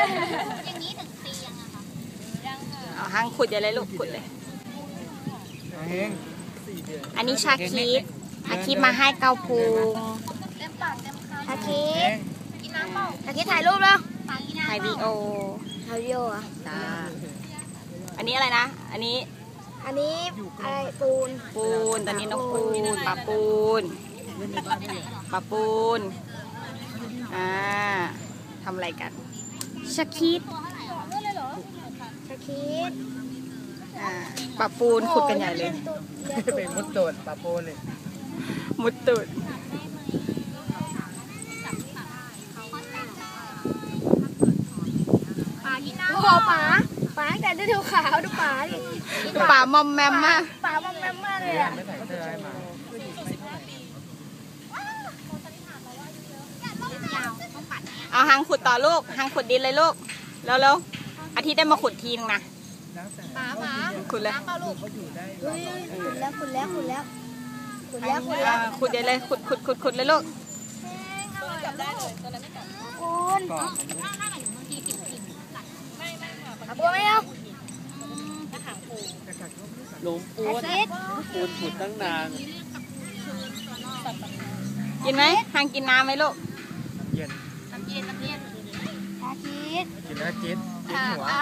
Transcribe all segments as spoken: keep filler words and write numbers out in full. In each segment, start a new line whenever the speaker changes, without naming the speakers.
อย่างนี้ถึงปียังอะคะยังค่ะ
เอาหางขุดอย่าเลยลูกขุดเลยอันนี้ชาคิดชาคิดมาให้เกาพุง
เต็มปากเต็มคำ
ชาคิด
กินน้ำเปล่า
ชาคิดถ่ายรูปแล้วถ่ายวีดีโอ
ถ่ายวีดีโออ่ะ
อันนี้อะไรนะอันนี้
อันนี้อะไรปูน
ปูนตอนนี้น้องปูนปลาปูนปลาปูนอ่าทำอะไรกันชาคิด
ชาคิด
อ่าปลาปูนขุดกันใหญ่เลย
เป็นมุดตูดปลาปูนเลย
มุดตูด
ปลาที่น้ำโอ้ปลาปลาแต่ดูขาวดูปลาดิ
ปลามอมแมมมาก
ปลามอมแมมมากเลยอ่ะ
เอาหางขุดต่อลูกหางขุดดินเลยลูกแล้วแล้วอาทิตย์ได้มาขุดทีนึงนะ
ปลาปลา
ขุดเลย
ขุดแล้วขุดแล้วขุดแล้วขุดแล้วขุดแล้ว
ขุดใหญ่เลยขุดขุดขุดขุดเลยลูก
จับได้เลยตัวนั้นไม่กัดคุณถ้าถ้าหนูบางทีกิ่งกิ่งกัดไม่ไม่ค่ะบัวไม่เอากระถางปู
หลงปูนปูนขุดตั้งนาน
กินไหมหางกินน้ำไหมลูก
เย็น
น้ำเย็นน้ำเย็นชาคิด
กินแล้วจิตจิตหัว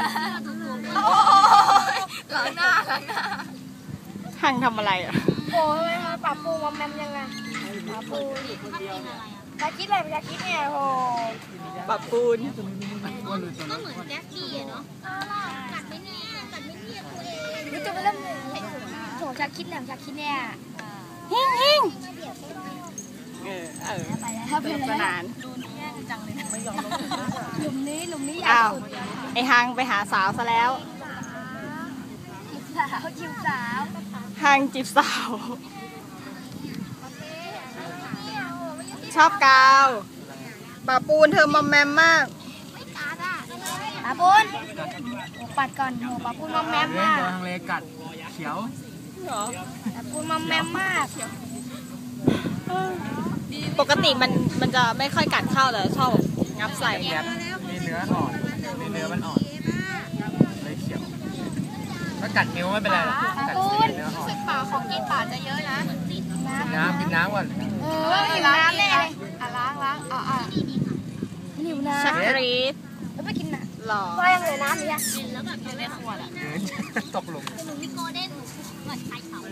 หลังหน้าหลังหน้า
หางทำอะไรอ่ะ
โอ้ยปลาปูมอมแมมยังไงปลาปูชาคิดอะไรชาคิดเนี่ยโอ้
ปลาปูน
ก็เหมือนแจ็คกี้อะเนาะกัดไม่แน่กัดไม่เนียตัวเอง
นี่จะไปเริ่มโถชาคิดแหลมชาคิดเนี่ย
ฮิงฮิงเออเออ
ไปแล้ว
สนุกสนาน
ดูแย่จังเลยไม่ยอมลงหลุมนี้หลุมนี้ยาวสุด
ไอหางไปหาสาวซะแล้ว
จีบสาวจีบสาว
หางจีบสาวชอบกาวปลาปูนเธอมอมแมมมาก
ปลาปูนปัดก่อนโหปลาปูนมอมแมมมาก
ทางเลกัดเขียว
ปลาปูนมอมแมมมาก
ปกติมันมันจะไม่ค่อยกัดเข้าเลยชอบงับใส่
มีเนื้ออ่อนมีเนื้อมันอ่อนเลยเขียวถ้ากัดนิ้วไม่เป็นไรหรอกกัดเนื้ออ่อน
ป่าของกินป่าจะเยอะนะ
น้ำกินน้ำก่อน
เออหิวน้ำเลยอ่ะล้างล้างอ่ะอ่ะหิวน้ำ
ชักรีด
แล้วไปกินน้ำ
หล่อ
ว่ายังเหลือน้ำอยู่อ่ะ
กินแล้วแบบอยู่ในขวดอ่ะ
ตกหลุม
หนูมีโกลเด้นเหมือนไข่เขา